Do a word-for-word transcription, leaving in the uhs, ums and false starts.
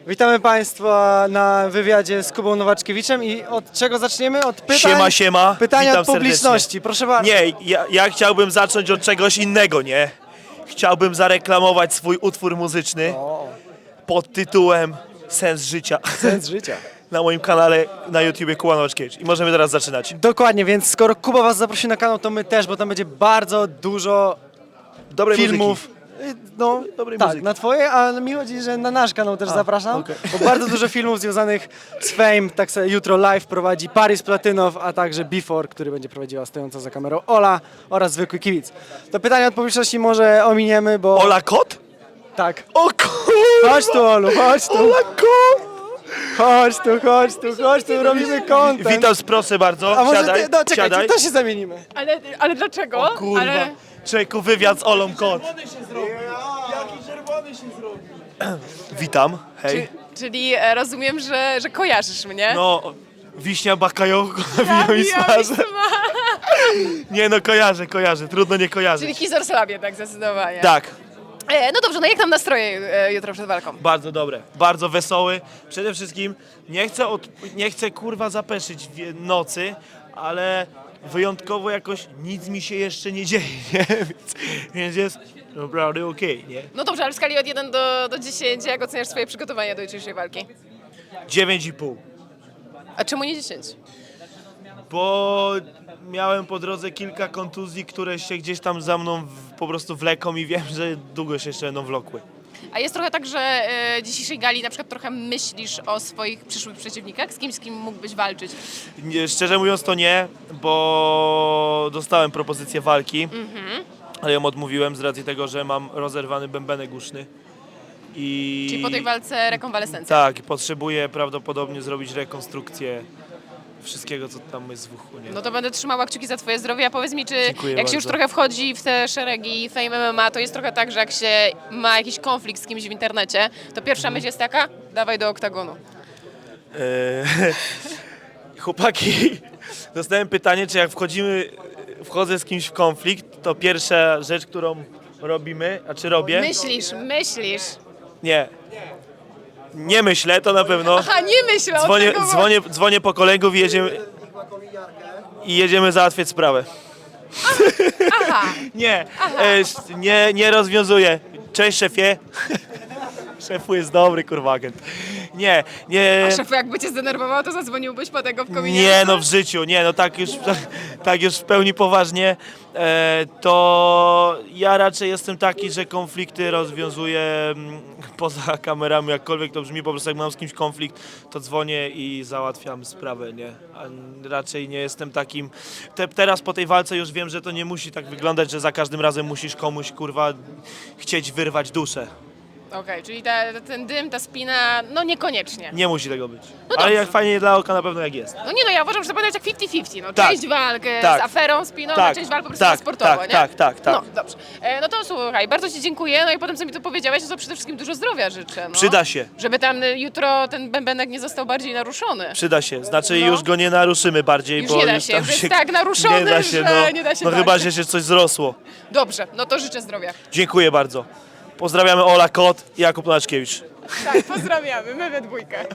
Witamy Państwa na wywiadzie z Kubą Nowaczkiewiczem i od czego zaczniemy? Od pytań? Siema, siema. Pytania Witam od publiczności, serdecznie. proszę bardzo. Nie, ja, ja chciałbym zacząć od czegoś innego, nie? Chciałbym zareklamować swój utwór muzyczny O, pod tytułem Sens życia sens życia. na moim kanale na YouTubie Kuba Nowaczkiewicz. I możemy teraz zaczynać. Dokładnie, więc skoro Kuba Was zaprosi na kanał, to my też, bo tam będzie bardzo dużo Dobrej filmów. muzyki. Y, No, Dobrej tak, muzyki. na twoje, a mi chodzi, że na nasz kanał też zapraszam, okej. bo bardzo dużo filmów związanych z Fame, tak sobie jutro live prowadzi Paris Platynow, a także Before, który będzie prowadziła stojąca za kamerą Ola oraz zwykły kibic. To pytanie od publiczności może ominiemy, bo... Ola Kot? Tak. O kurwa! Chodź tu, Olu, chodź tu. Ola Kot! Chodź tu, chodź tu, chodź tu, robimy content. Witam, proszę bardzo. A może Siadaj, ty, no czekaj, siadaj. to się zamienimy. Ale, ale dlaczego? Kurwa. Ale... Człowieku, wywiad z Olą Kot. Witam, hej. Czyli e, rozumiem, że, że kojarzysz mnie. No, wiśnia bakajołko nawija mi Ja smażę. wiem, Nie no, kojarzę, kojarzę, trudno nie kojarzyć. Czyli Kizor Slabie, tak zdecydowanie. Tak, E, no dobrze, no jak tam nastroje e, jutro przed walką? bardzo dobre, bardzo wesoły. Przede wszystkim nie chcę, od, nie chcę kurwa zapeszyć w nocy, ale wyjątkowo jakoś nic mi się jeszcze nie dzieje, nie? Więc, więc jest naprawdę okej, nie? No dobrze, ale w skali od jeden do, do dziesięciu, jak oceniasz swoje przygotowania do jutrzejszej walki? dziewięć i pół. A czemu nie dziesięć? Bo miałem po drodze kilka kontuzji, które się gdzieś tam za mną w, po prostu wleką i wiem, że długo się jeszcze będą wlokły. A jest trochę tak, że e, dzisiejszej gali na przykład trochę myślisz o swoich przyszłych przeciwnikach? Z kimś, z kim mógłbyś walczyć? Nie, szczerze mówiąc to nie, bo dostałem propozycję walki, ale ją odmówiłem z racji tego, że mam rozerwany bębenek uszny. I Czyli po tej walce rekonwalescencja? tak, potrzebuję prawdopodobnie zrobić rekonstrukcję wszystkiego, co tam jest w uchu. Nie? No to będę trzymała kciuki za twoje zdrowie, a powiedz mi, czy Dziękuję jak się już bardzo. trochę wchodzi w te szeregi Fame M M A, to jest trochę tak, że jak się ma jakiś konflikt z kimś w internecie, to pierwsza Mhm. myśl jest taka, dawaj do oktagonu. Eee, chłopaki, dostałem pytanie, czy jak wchodzimy, wchodzę z kimś w konflikt, to pierwsza rzecz, którą robimy, a czy robię? Myślisz, myślisz. Nie. Nie myślę, to na pewno. Aha, nie myślę o Dzwonię, tego. dzwonię, dzwonię po kolegów i jedziemy, i jedziemy załatwiać sprawę. Aha, Nie, e, nie, nie rozwiązuję. Cześć szefie. Szefu jest dobry, kurwa agent. Nie, nie. a szefu jakby cię zdenerwował, to zadzwoniłbyś po tego w kominie? Nie, no w życiu, nie, no tak już, tak już w pełni poważnie, e, to ja raczej jestem taki, że konflikty rozwiązuję mm, poza kamerami, jakkolwiek to brzmi, po prostu jak mam z kimś konflikt, to dzwonię i załatwiam sprawę, nie, a raczej nie jestem takim, te, teraz po tej walce już wiem, że to nie musi tak wyglądać, że za każdym razem musisz komuś, kurwa, chcieć wyrwać duszę. Okej, czyli ta, ten dym, ta spina, no niekoniecznie. Nie musi tego być, No ale dobrze. jak fajnie dla oka na pewno jak jest. No nie no, ja uważam, że to powinno być jak pięćdziesiąt pięćdziesiąt, no Tak. część walk e, Tak. z aferą, spiną, Tak. a część walk po prostu Tak, na sportowo, tak, nie? tak, tak, tak. No dobrze. E, no to słuchaj, bardzo ci dziękuję, no i potem co mi tu powiedziałeś, no to przede wszystkim dużo zdrowia życzę, no. Przyda się. Żeby tam y, jutro ten bębenek nie został bardziej naruszony. Przyda się, znaczy No. już go nie naruszymy bardziej, Już bo nie da już się, tam już jest tak naruszony, nie da się, że no, nie da się no walczyć. chyba, że się coś zrosło. Dobrze, no to życzę zdrowia. Dziękuję bardzo. Pozdrawiamy Ola Kot i Jakub Nowaczkiewicz. Tak, pozdrawiamy, my we dwójkę.